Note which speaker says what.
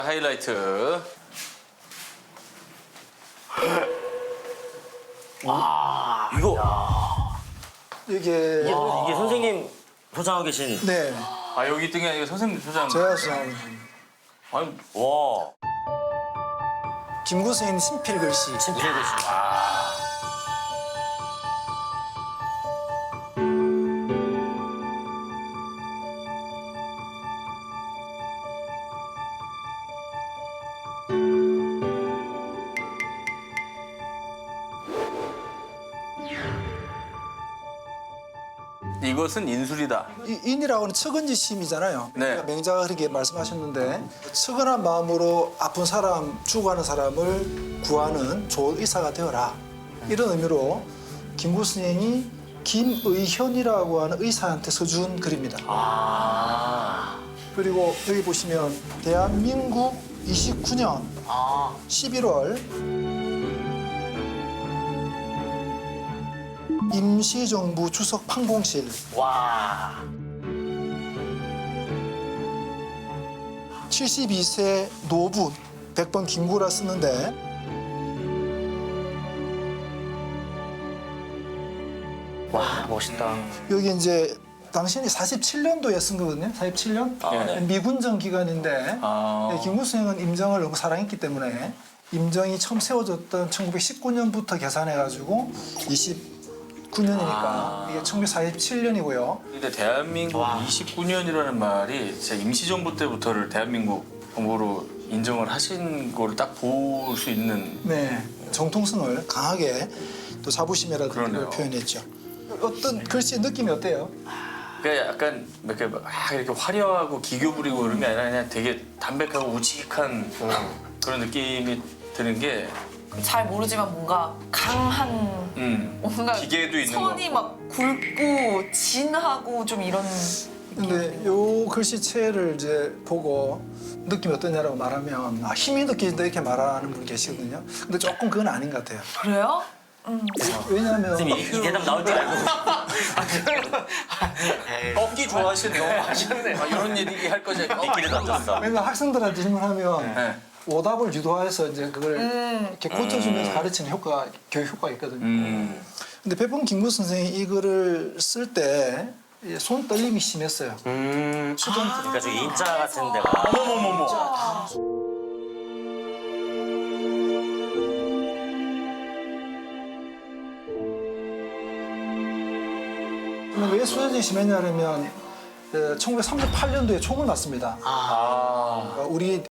Speaker 1: 하이라이트.
Speaker 2: 이거
Speaker 3: 이게
Speaker 2: 이게 선생님 소장하고 계신.
Speaker 3: 네
Speaker 1: 아 여기 있던 게 아니고 선생님 소장.
Speaker 3: 제가 수상하는
Speaker 1: 아니
Speaker 2: 와,
Speaker 3: 김구 선생님 친필 글씨.
Speaker 2: 친필 글씨.
Speaker 1: 이것은 인술이다.
Speaker 3: 인이라고 하는 측은지 심이잖아요.
Speaker 1: 네.
Speaker 3: 그러니까 명자가 그렇게 말씀하셨는데 측은한 마음으로 아픈 사람, 죽어가는 사람을 구하는 좋은 의사가 되어라. 이런 의미로 김구 선생이 김의현이라고 하는 의사한테 써준 글입니다. 그리고 여기 보시면 대한민국 29년 11월 임시정부 주석 판공실
Speaker 2: 와,
Speaker 3: 72세 노분 100번 김구라 쓰는데
Speaker 2: 와, 멋있다.
Speaker 3: 여기 이제 당신이 47년도에 쓴 거거든요. 47년
Speaker 1: 네.
Speaker 3: 미군정 기간인데
Speaker 1: 아.
Speaker 3: 김구 선생은 임정을 너무 사랑했기 때문에 임정이 처음 세워졌던 1919년부터 계산해가지고 29년이니까 이게 1947년이고요.
Speaker 1: 근데 대한민국 29년이라는 말이 진짜 임시정부 때부터를 대한민국 정부로 인정을 하신 거를 딱 볼 수 있는.
Speaker 3: 네, 정통성을 강하게 또 자부심이라든지
Speaker 1: 그러네요.
Speaker 3: 걸 표현했죠. 어떤 글씨의 느낌이 어때요?
Speaker 1: 그러니까 약간 이렇게 막 이렇게 화려하고 기교 부리고 그런 게 아니라 그냥 되게 담백하고 우직한 그런 느낌이 드는 게.
Speaker 4: 잘 모르지만 뭔가 강한 뭔가
Speaker 1: 기계도 있는
Speaker 4: 선이
Speaker 1: 거.
Speaker 4: 막 굵고 진하고 좀 이런
Speaker 3: 근데 요 글씨체를 이제 보고 느낌이 어떠냐라고 말하면 힘이 느껴진다 이렇게 말하는 분 계시거든요. 근데 조금 그건 아닌 것 같아요.
Speaker 4: 그래요?
Speaker 3: 왜냐하면
Speaker 2: 선생님 이 대답 나올 줄 알고.
Speaker 1: 꺾기 좋아하시네요. 하셨네. 이런 얘기 할 거지.
Speaker 2: 미끼를 던졌어.
Speaker 3: 왜냐면 학생들한테 질문하면
Speaker 1: 네.
Speaker 3: 오답을 유도해서 이제 그걸 이렇게 고쳐주면서 가르치는 효과, 교육 효과가 있거든요. 근데 백범 김구 선생이 이 글을 쓸 때 손 떨림이 심했어요.
Speaker 2: 그러니까 저 인자 같은 데가.
Speaker 1: 어머머머머.
Speaker 3: 근데 왜 수혈이 심했냐면 1938년도에 총을 맞습니다.
Speaker 1: 아.
Speaker 3: 우리